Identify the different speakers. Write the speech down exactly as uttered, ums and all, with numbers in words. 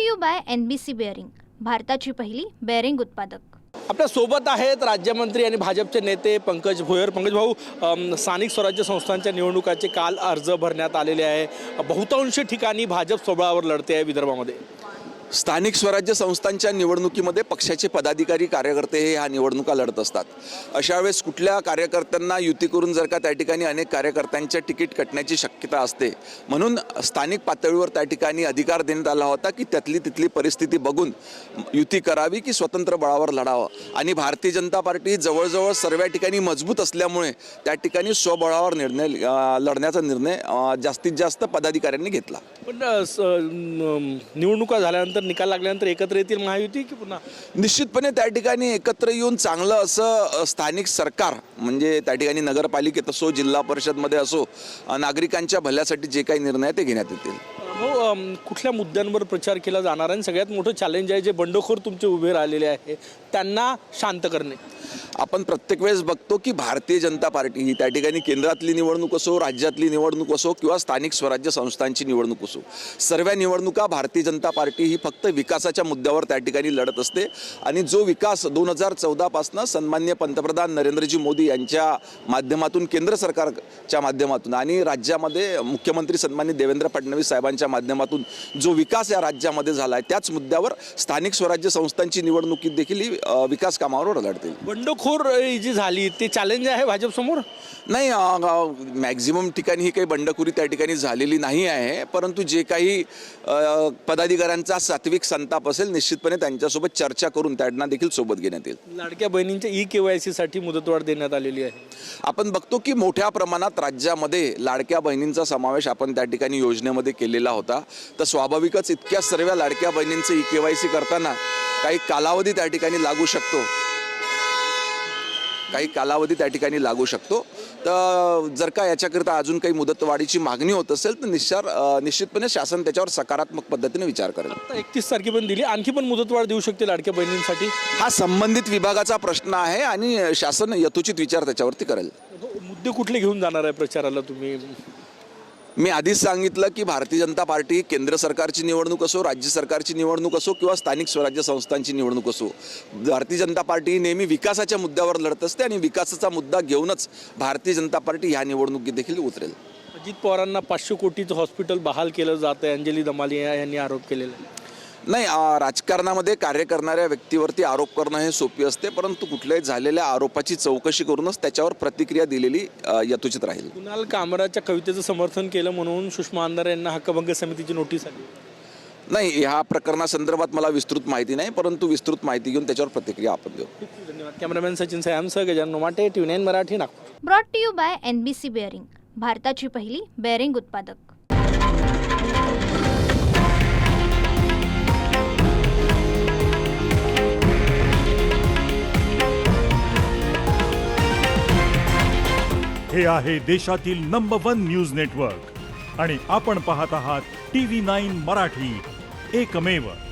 Speaker 1: To you by N B C bearing, भारताची पहिली bearing उत्पादक।
Speaker 2: आपल्या सोबत आहेत राज्यमंत्री आणि भाजपचे नेते पंकज भोयर। पंकज भाऊ, अम, स्थानिक स्वराज्य संस्थांच्या निवडणुकाचे काल अर्ज भरण्यात आलेले आहे। बहुतांश ठिकाणी भाजप स्वबळावर लढते आहे विदर्भामध्ये।
Speaker 3: स्थानिक स्वराज्य संस्थांच्या निवडणुकीमध्ये पक्षाचे पदाधिकारी कार्यकर्ते हे ह्या निवडणुका लढत असतात। अशा वेळेस कुठल्या कार्यकर्त्यांना युती करून जर का त्या ठिकाणी अनेक कार्यकर्त्यांच्या तिकीट कटण्याची शक्यता असते, म्हणून स्थानिक पातळीवर त्या ठिकाणी अधिकार देण्यात आला होता की त्यातली तिथली परिस्थिती बघून युती करावी की स्वतंत्र बळावर लढावं। आणि भारतीय जनता पार्टी जवळजवळ सर्व ठिकाणी मजबूत असल्यामुळे त्या ठिकाणी स्वबळावर निर्णय लढण्याचा निर्णय जास्तीत जास्त पदाधिकाऱ्यांनी घेतला।
Speaker 2: पण निवडणुका झाल्यानंतर निकाल लागल्यानंतर एकत्र येतील महायुती की पुन्हा?
Speaker 3: निश्चितपणे त्या ठिकाणी एकत्र येऊन चांगलं असं स्थानिक सरकार, म्हणजे त्या ठिकाणी नगरपालिकेत असो, जिल्हा परिषदमध्ये असो, नागरिकांच्या भल्यासाठी जे काही निर्णय ते घेण्यात येतील।
Speaker 2: हो, कुठल्या मुद्द्यांवर प्रचार केला जाणार आहे? सगळ्यात मोठं चॅलेंज आहे जे बंडखोर तुमचे उभे राहिलेले आहे त्यांना शांत करणे।
Speaker 3: आपण प्रत्येक वेळेस बघतो की भारतीय जनता पार्टी ही त्या ठिकाणी केंद्रातली निवडणूक असो, राज्यातली निवडणूक असो किंवा स्थानिक स्वराज्य संस्थांची निवडणूक असो, सर्व निवडणुका भारतीय जनता पार्टी ही फक्त विकासाच्या मुद्द्यावर त्या ठिकाणी लढत असते। आणि जो विकास दोन हजार चौदापासून सन्माननीय पंतप्रधान नरेंद्रजी मोदी यांच्या माध्यमातून, केंद्र सरकारच्या माध्यमातून आणि राज्यामध्ये मुख्यमंत्री सन्माननीय देवेंद्र फडणवीस साहेबांच्या माध्यमातून जो विकास या राज्यामध्ये झाला आहे, त्याच मुद्द्यावर स्थानिक स्वराज्य संस्थांची निवडणुकीत देखील ही विकास कामावर लढतील।
Speaker 2: बंडखोर जी झाली ते चॅलेंज आहे भाजप समोर?
Speaker 3: नाही, मॅक्झिमम ठिकाणी ही काही बंडखोरी त्या ठिकाणी झालेली नाही आहे, परंतु जे काही पदाधिकाऱ्यांचा सात्विक संताप असेल, निश्चितपणे त्यांच्यासोबत चर्चा करून त्यांना देखील सोबत घेण्यात येईल।
Speaker 2: लाडक्या बहिणींच्या ई केवायसी साठी मुदतवाढ देण्यात आलेली आहे।
Speaker 3: आपण बघतो की मोठ्या प्रमाणात राज्यामध्ये लाडक्या बहिणींचा समावेश आपण त्या ठिकाणी योजनेमध्ये केलेला होता। तर स्वाभाविकच इतक्या सर्व लाडक्या बहिणींचं ई केवायसी करताना काही कालावधी त्या ठिकाणी लागू शकतो काही कालावधी त्या ठिकाणी लागू शकतो तर जर का याच्याकरिता अजून काही मुदतवाढीची मागणी होत असेल तर निश्चार निश्चितपणे शासन त्याच्यावर सकारात्मक पद्धतीने विचार करेल।
Speaker 2: आता एकतीस तारखेपर्यंत दिली, आणखी पण मुदतवाढ देऊ शकते लाडक्या बहिणींसाठी?
Speaker 3: हा संबंधित विभागाचा प्रश्न आहे आणि शासन यथोचित विचार त्याच्यावरती करेल।
Speaker 2: मुद्दे कुठले घेऊन जाणार आहे प्रचाराला तुम्ही?
Speaker 3: मी आधीच सांगितलं की भारतीय जनता पार्टी केंद्र सरकारची निवडणूक असो, राज्य सरकारची निवडणूक असो किंवा स्थानिक स्वराज्य संस्थांची निवडणूक असो, भारतीय जनता पार्टी नेहमी विकासाच्या मुद्द्यावर लढत असते आणि विकासाचा मुद्दा घेऊनच भारतीय जनता पार्टी ह्या निवडणुकीत देखील उतरेल।
Speaker 2: अजित पवारांना पाचशे कोटीचं हॉस्पिटल बहाल केलं जात आहे, अंजली दमालिया यांनी आरोप केलेला आहे।
Speaker 3: नाही, राजकारणामध्ये कार्य करणाऱ्या व्यक्तीवरती आरोप करणं हे सोपी असते, परंतु कुठल्याही झालेल्या आरोपाची चौकशी करूनच त्याच्यावर प्रतिक्रिया दिलेली यथोचित राहील।
Speaker 2: कुणाल कामराच्या कवितेचं समर्थन केलं म्हणून सुषमा अंधारे यांना हक्कभंग समितीची नोटीस आली?
Speaker 3: नाही, ह्या प्रकरणासंदर्भात मला विस्तृत माहिती नाही, परंतु विस्तृत माहिती घेऊन त्याच्यावर प्रतिक्रिया आपण देऊ।
Speaker 2: धन्यवाद। कॅमेरामॅन सचिन सयामसह Gajanan Mate, T V nine Marathi, Nagpur.
Speaker 1: Brought to you by N B C bearing, भारताची पहिली बेअरिंग उत्पादक।
Speaker 4: हे आहे देशातील नंबर वन न्यूज नेटवर्क आणि आपण पाहत आहात टी व्ही नाईन मराठी, एकमेव।